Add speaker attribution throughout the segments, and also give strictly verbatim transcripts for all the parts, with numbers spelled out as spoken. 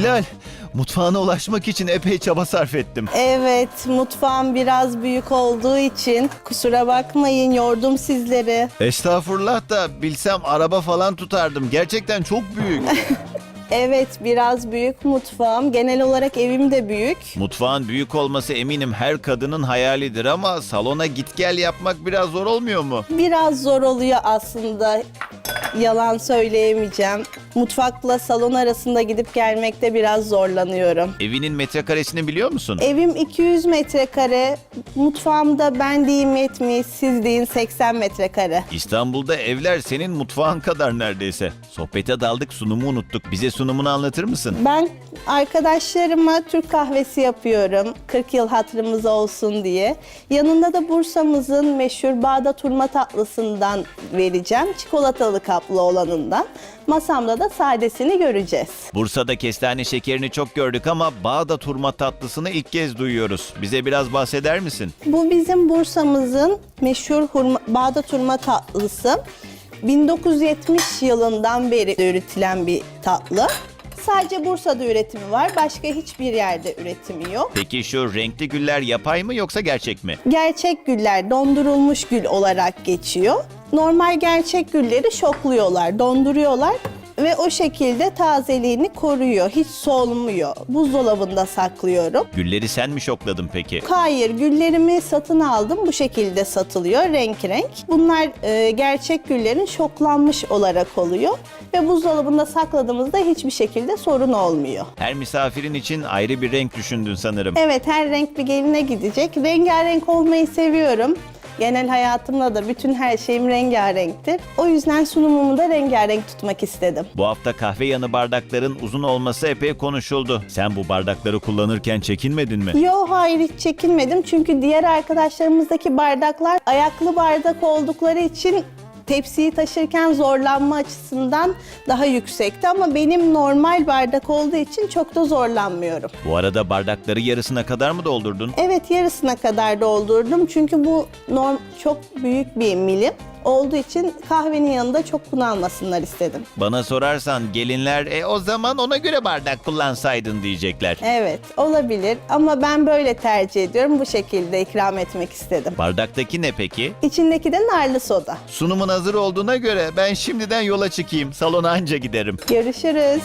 Speaker 1: Hilal, mutfağına ulaşmak için epey çaba sarf ettim.
Speaker 2: Evet, mutfağım biraz büyük olduğu için kusura bakmayın, yordum sizleri.
Speaker 1: Estağfurullah da bilsem araba falan tutardım. Gerçekten çok büyük.
Speaker 2: Evet, biraz büyük mutfağım. Genel olarak evim de büyük.
Speaker 1: Mutfağın büyük olması eminim her kadının hayalidir ama salona git gel yapmak biraz zor olmuyor mu?
Speaker 2: Biraz zor oluyor aslında. Yalan söyleyemeyeceğim. Mutfakla salon arasında gidip gelmekte biraz zorlanıyorum.
Speaker 1: Evinin metrekaresini biliyor musun?
Speaker 2: Evim iki yüz metrekare. Mutfağımda ben diyeyim yetmiş, siz deyin seksen metrekare.
Speaker 1: İstanbul'da evler senin mutfağın kadar neredeyse. Sohbete daldık, sunumu unuttuk. Bize sunumunu anlatır mısın?
Speaker 2: Ben arkadaşlarıma Türk kahvesi yapıyorum. kırk yıl hatırımız olsun diye. Yanında da Bursa'mızın meşhur Bağdat hurma tatlısından vereceğim. Çikolatalı kaplı olanından. Masamda da sadesini göreceğiz.
Speaker 1: Bursa'da kestane şekerini çok gördük ama Bağdat hurma tatlısını ilk kez duyuyoruz. Bize biraz bahseder misin?
Speaker 2: Bu bizim Bursa'mızın meşhur hurma, Bağdat hurma tatlısı. bin dokuz yüz yetmiş yılından beri üretilen bir tatlı. Sadece Bursa'da üretimi var. Başka hiçbir yerde üretimi yok.
Speaker 1: Peki şu renkli güller yapay mı yoksa gerçek mi?
Speaker 2: Gerçek güller dondurulmuş gül olarak geçiyor. Normal gerçek gülleri şokluyorlar, donduruyorlar ve o şekilde tazeliğini koruyor. Hiç solmuyor. Buzdolabında saklıyorum.
Speaker 1: Gülleri sen mi şokladın peki?
Speaker 2: Hayır, güllerimi satın aldım. Bu şekilde satılıyor renk renk. Bunlar e, gerçek güllerin şoklanmış olarak oluyor. Ve buzdolabında sakladığımızda hiçbir şekilde sorun olmuyor.
Speaker 1: Her misafirin için ayrı bir renk düşündün sanırım.
Speaker 2: Evet, her renk bir geline gidecek. Rengarenk olmayı seviyorum. Genel hayatımda da bütün her şeyim rengarenktir. O yüzden sunumumu da rengarenk tutmak istedim.
Speaker 1: Bu hafta kahve yanı bardakların uzun olması epey konuşuldu. Sen bu bardakları kullanırken çekinmedin mi?
Speaker 2: Yo, hayır, hiç çekinmedim. Çünkü diğer arkadaşlarımızdaki bardaklar ayaklı bardak oldukları için tepsiyi taşırken zorlanma açısından daha yüksekti ama benim normal bardak olduğu için çok da zorlanmıyorum.
Speaker 1: Bu arada bardakları yarısına kadar mı doldurdun?
Speaker 2: Evet, yarısına kadar doldurdum çünkü bu norm çok büyük bir milim olduğu için kahvenin yanında çok bunalmasınlar istedim.
Speaker 1: Bana sorarsan gelinler e o zaman ona göre bardak kullansaydın diyecekler.
Speaker 2: Evet, olabilir ama ben böyle tercih ediyorum. Bu şekilde ikram etmek istedim.
Speaker 1: Bardaktaki ne peki?
Speaker 2: İçindeki de narlı soda.
Speaker 1: Sunumun hazır olduğuna göre ben şimdiden yola çıkayım. Salona anca giderim.
Speaker 2: Görüşürüz.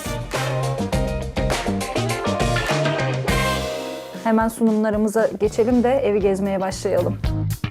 Speaker 3: Hemen sunumlarımıza geçelim de evi gezmeye başlayalım.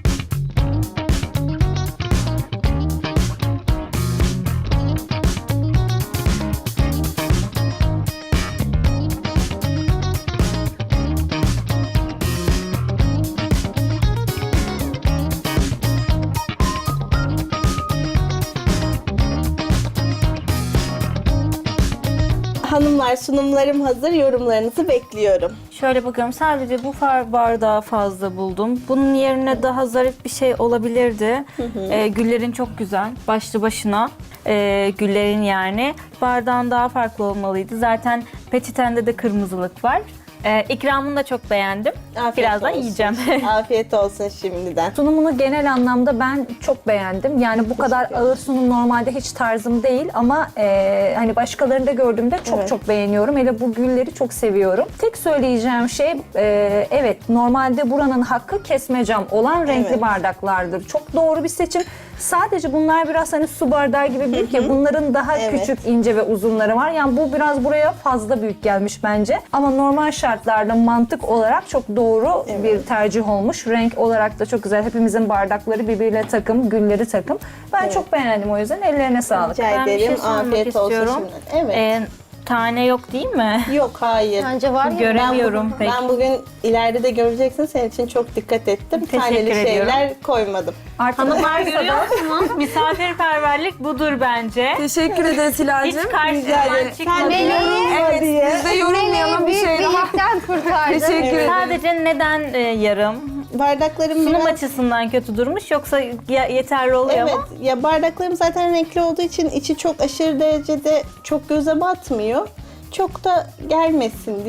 Speaker 2: Hanımlar, sunumlarım hazır. Yorumlarınızı bekliyorum.
Speaker 4: Şöyle bakıyorum, sadece bu far bardağı fazla buldum. Bunun yerine daha zarif bir şey olabilirdi. Ee, güllerin çok güzel, başlı başına ee, güllerin yani. Bardağın daha farklı olmalıydı. Zaten petitende de kırmızılık var. Ee, ikramını da çok beğendim.
Speaker 2: Afiyet
Speaker 4: Birazdan
Speaker 2: olsun.
Speaker 4: yiyeceğim.
Speaker 2: Afiyet olsun şimdiden.
Speaker 3: Sunumunu genel anlamda ben çok beğendim. Yani bu kadar ağır sunum normalde hiç tarzım değil ama e, hani başkalarında gördüğümde çok
Speaker 2: Evet.
Speaker 3: çok beğeniyorum. Hele bu gülleri çok seviyorum. Tek söyleyeceğim şey e, evet, normalde buranın hakkı kesme cam olan renkli
Speaker 2: Evet.
Speaker 3: bardaklardır. Çok doğru bir seçim. Sadece bunlar biraz hani su bardağı gibi büyük ya, bunların daha
Speaker 2: Evet.
Speaker 3: küçük, ince ve uzunları var. Yani bu biraz buraya fazla büyük gelmiş bence. Ama normal şartlarda mantık olarak çok doğru
Speaker 2: Evet.
Speaker 3: bir tercih olmuş. Renk olarak da çok güzel. Hepimizin bardakları birbiriyle takım, gülleri takım. Ben
Speaker 2: Evet.
Speaker 3: çok beğendim o yüzden. Ellerine sağlık.
Speaker 2: Rica
Speaker 4: Ben bir şey
Speaker 2: ederim.
Speaker 4: sormak
Speaker 2: Afiyet olsun
Speaker 4: istiyorum.
Speaker 2: şimdiden. Evet.
Speaker 4: Ee, tane yok değil mi?
Speaker 2: Yok, hayır.
Speaker 5: Bence var ya.
Speaker 4: Göremiyorum
Speaker 2: ben,
Speaker 4: pek.
Speaker 2: ben bugün ileride de göreceksin. Senin için çok dikkat ettim.
Speaker 4: Teşekkür
Speaker 2: Taneli
Speaker 4: ediyorum.
Speaker 2: şeyler koymadım.
Speaker 3: Artık
Speaker 4: Hanımlar görüyor musunuz? Misafirperverlik budur bence.
Speaker 6: Teşekkür ederiz
Speaker 4: Hiç
Speaker 6: Hilal'cim.
Speaker 4: karşıdan çıkmadı.
Speaker 2: Evet. Diye.
Speaker 6: Biz de yorumlayalım bir
Speaker 5: büyük
Speaker 6: şey
Speaker 5: bir
Speaker 6: daha.
Speaker 5: yükten kurtardın.
Speaker 6: Teşekkür ederim.
Speaker 4: Sadece neden e, yarım?
Speaker 2: Bardaklarım
Speaker 4: Sunum
Speaker 2: biraz...
Speaker 4: açısından kötü durmuş, yoksa ya- yeterli oluyor
Speaker 2: Evet,
Speaker 4: mu?
Speaker 2: ya bardaklarım zaten renkli olduğu için içi çok aşırı derecede çok göze batmıyor. Çok da gelmesin diye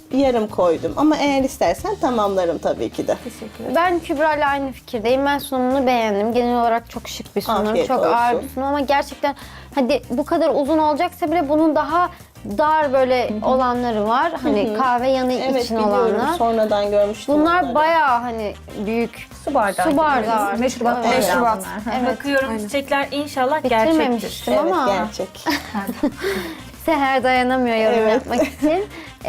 Speaker 2: yarım koydum. Ama eğer istersen tamamlarım tabii ki de.
Speaker 5: Ben Kübra ile aynı fikirdeyim. Ben sunumunu beğendim. Genel olarak çok şık bir sunum.
Speaker 2: Afiyet
Speaker 5: çok
Speaker 2: olsun.
Speaker 5: ağır bir sunum ama gerçekten hadi bu kadar uzun olacaksa bile bunun daha dar böyle olanları var. Hani kahve yanı
Speaker 2: Evet
Speaker 5: için
Speaker 2: biliyorum.
Speaker 5: olanlar.
Speaker 2: Sonradan görmüştüm
Speaker 5: Bunlar
Speaker 2: onları.
Speaker 5: bayağı hani büyük.
Speaker 3: Su bardağı.
Speaker 5: Su
Speaker 3: gibi.
Speaker 5: bardağı.
Speaker 3: Meşrubat.
Speaker 5: Evet.
Speaker 3: Meşrubat.
Speaker 5: Evet.
Speaker 4: Bakıyorum çiçekler inşallah gerçektir.
Speaker 5: Bitirmemiştim
Speaker 2: Evet
Speaker 5: ama
Speaker 2: gerçek.
Speaker 5: Seher dayanamıyor yorum
Speaker 2: Evet.
Speaker 5: yapmak için.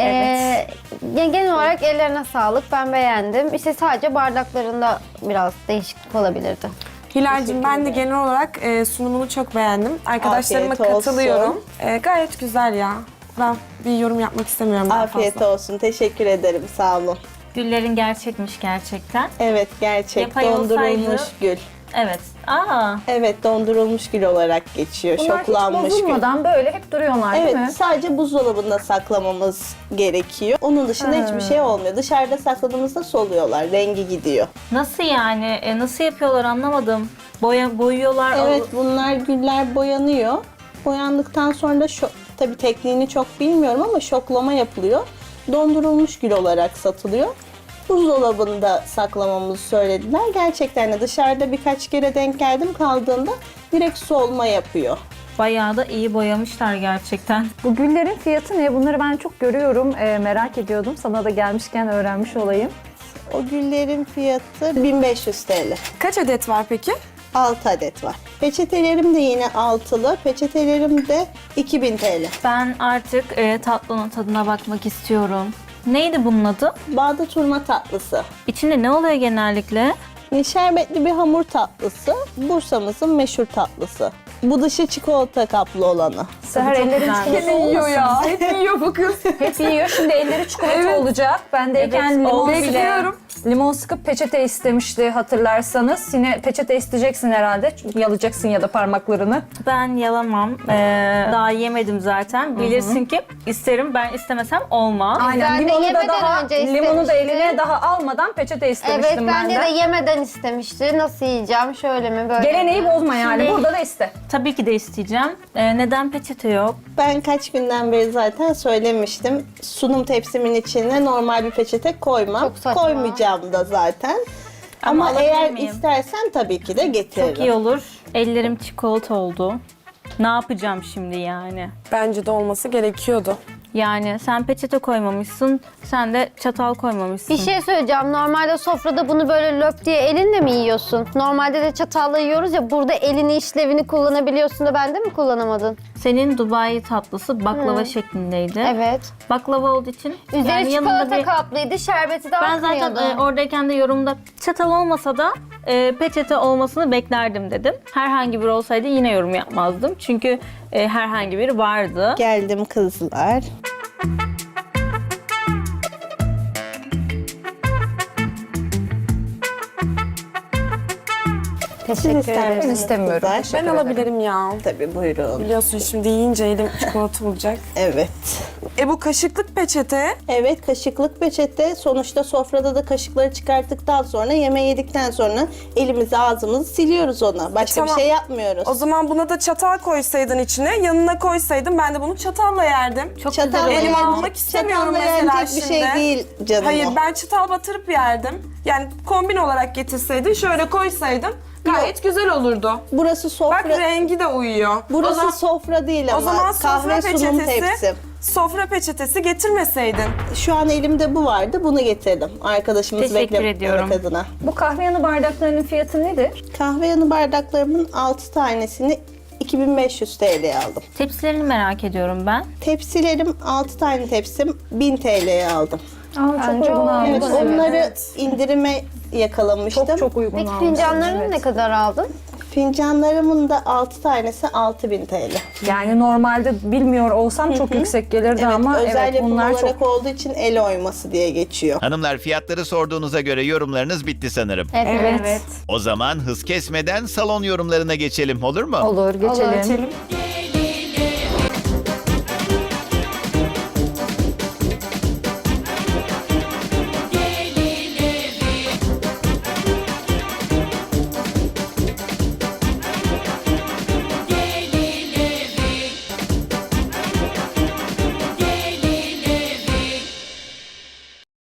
Speaker 5: Ee, ya genel olarak ellerine sağlık. Ben beğendim. İşte sadece bardaklarında biraz değişiklik olabilirdi.
Speaker 6: Hilal'cim ben de genel olarak e, sunumunu çok beğendim. Arkadaşlarıma
Speaker 2: Afiyet olsun.
Speaker 6: katılıyorum. E, gayet güzel ya. Ben bir yorum yapmak istemiyorum daha
Speaker 2: Afiyet
Speaker 6: fazla.
Speaker 2: olsun. Teşekkür ederim. Sağ olun.
Speaker 4: Güllerin gerçekmiş gerçekten.
Speaker 2: Evet gerçek.
Speaker 4: Yapay
Speaker 2: Dondurulmuş
Speaker 4: olsaydı-
Speaker 2: gül.
Speaker 4: Evet. Aa,
Speaker 2: Evet dondurulmuş gül olarak geçiyor.
Speaker 3: Bunlar hiç
Speaker 2: Şoklanmış gül.
Speaker 3: bozulmadan böyle hep duruyorlar değil
Speaker 2: Evet
Speaker 3: mi?
Speaker 2: sadece buzdolabında saklamamız gerekiyor. Onun dışında hiçbir şey olmuyor. Dışarıda sakladığımızda soluyorlar. Rengi gidiyor.
Speaker 4: nasıl yani? E, nasıl yapıyorlar anlamadım. Boya boyuyorlar.
Speaker 2: Evet bunlar güller boyanıyor. Boyandıktan sonra da şo- tabii tekniğini çok bilmiyorum ama şoklama yapılıyor. Dondurulmuş gül olarak satılıyor. Buzdolabında saklamamızı söylediler. Gerçekten de dışarıda birkaç kere denk geldim kaldığında direkt solma yapıyor.
Speaker 4: Bayağı da iyi boyamışlar gerçekten.
Speaker 3: Bu güllerin fiyatı ne? Bunları ben çok görüyorum. Ee, merak ediyordum. Sana da gelmişken öğrenmiş olayım.
Speaker 2: O güllerin fiyatı bin beş yüz T L.
Speaker 6: Kaç adet var peki?
Speaker 2: altı adet var. Peçetelerim de yine altılı. Peçetelerim de iki bin T L.
Speaker 4: Ben artık e, tatlının tadına bakmak istiyorum. Neydi bunun adı?
Speaker 2: Bağda turma tatlısı.
Speaker 4: İçinde ne oluyor genellikle?
Speaker 2: Şerbetli bir hamur tatlısı. Bursa'mızın meşhur tatlısı. Bu dışı çikolata kaplı olanı.
Speaker 3: Seher ellerin
Speaker 4: güzelmiş.
Speaker 3: çikolata
Speaker 6: Yine yiyor ya.
Speaker 3: olmasın.
Speaker 6: Hep yiyor bu kız.
Speaker 3: Hep yiyor. Şimdi elleri çikolata
Speaker 6: Evet.
Speaker 3: olacak. Bendeyken
Speaker 4: Evet,
Speaker 3: limon,
Speaker 4: oldu
Speaker 3: bile,
Speaker 6: bekliyorum.
Speaker 3: limon sıkıp peçete istemişti hatırlarsanız. Yine peçete isteyeceksin herhalde. Çünkü yalayacaksın ya da parmaklarını.
Speaker 4: Ben yalamam. Ee, daha yemedim zaten. Bilirsin ki isterim. Ben istemesem olmaz.
Speaker 3: Aynen.
Speaker 5: Ben de
Speaker 3: Limonu da
Speaker 5: yemeden
Speaker 3: daha
Speaker 5: önce
Speaker 3: limonu da
Speaker 5: istemişti.
Speaker 3: eline daha almadan peçete
Speaker 5: Evet
Speaker 3: istemiştim ben
Speaker 5: bence
Speaker 3: de.
Speaker 5: de yemeden istemişti. Nasıl yiyeceğim? Şöyle mi böyle
Speaker 3: Geleneği
Speaker 5: mi?
Speaker 3: bozma yani.
Speaker 4: Şimdi-
Speaker 3: Burada da iste.
Speaker 4: Tabii ki de isteyeceğim. Ee, neden peçete yok?
Speaker 2: Ben kaç günden beri zaten söylemiştim. Sunum tepsimin içine normal bir peçete koymam.
Speaker 5: Çok saçma.
Speaker 2: Koymayacağım da zaten.
Speaker 4: Ama
Speaker 2: Ama,
Speaker 4: alabilir
Speaker 2: eğer
Speaker 4: miyim?
Speaker 2: istersen tabii ki de getiririm.
Speaker 4: Çok iyi olur. Ellerim çikolata oldu. Ne yapacağım şimdi yani?
Speaker 6: Bence de olması gerekiyordu.
Speaker 4: Yani sen peçete koymamışsın, sen de çatal koymamışsın.
Speaker 5: Bir şey söyleyeceğim. Normalde sofrada bunu böyle löp diye elinle mi yiyorsun? Normalde de çatalla yiyoruz ya. Burada elini işlevini kullanabiliyorsun da bende mi kullanamadın?
Speaker 4: Senin Dubai tatlısı baklava şeklindeydi.
Speaker 5: Evet.
Speaker 4: Baklava olduğu için
Speaker 5: Üzeri
Speaker 4: yani yanında
Speaker 5: çikolata
Speaker 4: bir...
Speaker 5: kaplıydı. Şerbeti de
Speaker 4: Ben zaten
Speaker 5: akmıyordu.
Speaker 4: e, oradayken de yorumda çatal olmasa da e, peçete olmasını beklerdim dedim. Herhangi biri olsaydı yine yorum yapmazdım. Çünkü e, herhangi biri vardı.
Speaker 2: Geldim kızlar.
Speaker 5: Teşekkür
Speaker 2: ister
Speaker 5: ederim.
Speaker 3: Ben istemiyorum.
Speaker 2: Kızlar.
Speaker 3: Teşekkür
Speaker 6: Ben
Speaker 3: ederim.
Speaker 6: alabilirim ya.
Speaker 2: Tabii buyurun.
Speaker 6: Biliyorsun şimdi yiyince elim çikolata olacak.
Speaker 2: Evet.
Speaker 6: E bu kaşıklık peçete.
Speaker 2: Evet kaşıklık peçete. Sonuçta sofrada da kaşıkları çıkarttıktan sonra yemeği yedikten sonra elimizi ağzımızı siliyoruz ona. Başka
Speaker 6: tamam.
Speaker 2: bir şey yapmıyoruz.
Speaker 6: O zaman buna da çatal koysaydın içine, yanına koysaydın ben de bunu çatalla yerdim.
Speaker 4: Çok
Speaker 2: Çatalla
Speaker 4: güzel
Speaker 6: Elime
Speaker 4: oldu.
Speaker 6: almak istemiyorum
Speaker 2: çatalla
Speaker 6: mesela
Speaker 2: yenecek bir
Speaker 6: şimdi.
Speaker 2: şey değil canım
Speaker 6: Hayır
Speaker 2: o.
Speaker 6: ben çatal batırıp yerdim. Yani kombin olarak getirseydin, şöyle koysaydın gayet güzel olurdu.
Speaker 2: Burası sofra.
Speaker 6: Bak rengi de uyuyor.
Speaker 2: Burası
Speaker 6: o zaman,
Speaker 2: sofra değil ama
Speaker 6: o zaman
Speaker 2: kahve
Speaker 6: sofra
Speaker 2: sunum
Speaker 6: peçetesi,
Speaker 2: tepsim.
Speaker 6: sofra peçetesi getirmeseydin.
Speaker 2: Şu an elimde bu vardı. Bunu getirdim. Arkadaşımız
Speaker 4: Teşekkür
Speaker 2: beklemek
Speaker 4: ediyorum.
Speaker 2: adına.
Speaker 3: Bu kahve yanı bardaklarının fiyatı nedir?
Speaker 2: Kahve yanı bardaklarımın altı tanesini iki bin beş yüz T L'ye aldım.
Speaker 4: Tepsilerini merak ediyorum ben.
Speaker 2: Tepsilerim altı tane tepsim bin T L'ye aldım.
Speaker 3: Aa, çok
Speaker 5: Bence
Speaker 3: uygun
Speaker 5: o-
Speaker 3: almış.
Speaker 2: Evet,
Speaker 5: Evet.
Speaker 2: onları indirime yakalamıştım.
Speaker 3: Çok çok uygun
Speaker 5: Peki
Speaker 3: almış.
Speaker 5: fincanlarını ne kadar aldın?
Speaker 2: Fincanlarımın da altı tanesi altı bin T L.
Speaker 3: Yani normalde bilmiyor olsam çok yüksek gelirdi
Speaker 2: Evet,
Speaker 3: ama
Speaker 2: özel
Speaker 3: evet
Speaker 2: yapım
Speaker 3: bunlar
Speaker 2: olarak
Speaker 3: çok
Speaker 2: olduğu için el oyması diye geçiyor.
Speaker 1: Hanımlar fiyatları sorduğunuza göre yorumlarınız bitti sanırım.
Speaker 5: Evet.
Speaker 3: evet.
Speaker 1: O zaman hız kesmeden salon yorumlarına geçelim olur mu?
Speaker 3: Olur geçelim.
Speaker 6: Geçelim.